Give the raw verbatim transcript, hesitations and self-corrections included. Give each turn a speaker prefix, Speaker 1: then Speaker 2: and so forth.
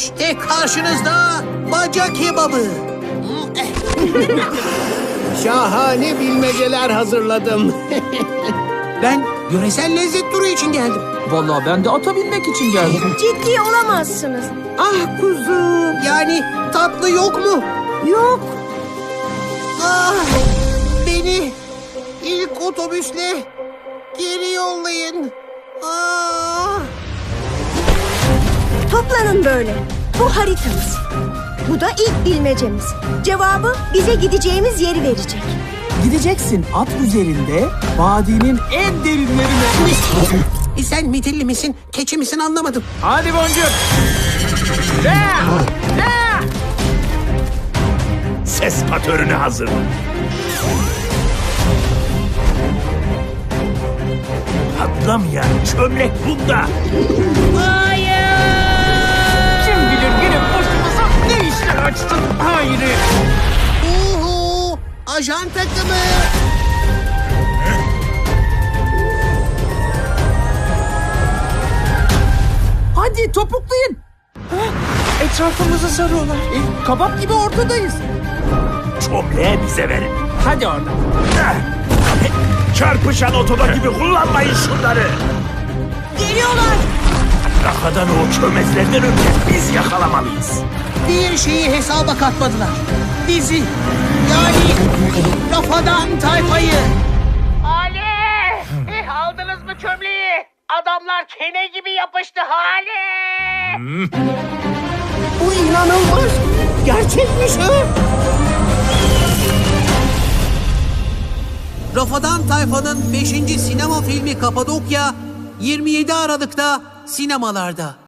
Speaker 1: İşte karşınızda baca kebabı.
Speaker 2: Şahane bilmeceler hazırladım.
Speaker 1: Ben yöresel lezzet turu için geldim.
Speaker 3: Vallahi ben de ata binmek için geldim.
Speaker 4: Ciddi olamazsınız.
Speaker 1: Ah kuzum. Yani tatlı yok mu?
Speaker 4: Yok.
Speaker 1: Ah, beni ilk otobüsle geri yollayın. Ah.
Speaker 4: Toplanın böyle. Bu haritamız. Bu da ilk bilmecemiz. Cevabı bize gideceğimiz yeri verecek.
Speaker 3: Gideceksin at üzerinde vadinin en derinlerine.
Speaker 1: E sen midilli misin, keçi misin anlamadım.
Speaker 3: Hadi boncuk.
Speaker 5: Ses patörünü hazırla. Patlamayan çömlek bunda.
Speaker 3: Kim bilir yine başımıza ne işler açtın Hayri.
Speaker 1: Uhu, ajan takımı.
Speaker 3: Hadi topuklayın. Hah, Etrafımızı sarıyorlar. E, kabak gibi ortadayız.
Speaker 5: Çömleği bize verin.
Speaker 3: Hadi oradan.
Speaker 5: Eh! Çarpışan otoba gibi kullanmayın şunları.
Speaker 4: Geliyorlar.
Speaker 5: Rafadan o çömezlerden önce biz yakalamalıyız.
Speaker 1: Bir şeyi hesaba katmadılar. Bizi, yani Rafadan tayfayı.
Speaker 6: Ali! Eh, aldınız mı çömleği? Adamlar kene gibi yapıştı Hali!
Speaker 1: Bu inanılmaz. Gerçekmiş ha. Rafadan Tayfa'nın beşinci sinema filmi Kapadokya yirmi yedi Aralık'ta sinemalarda.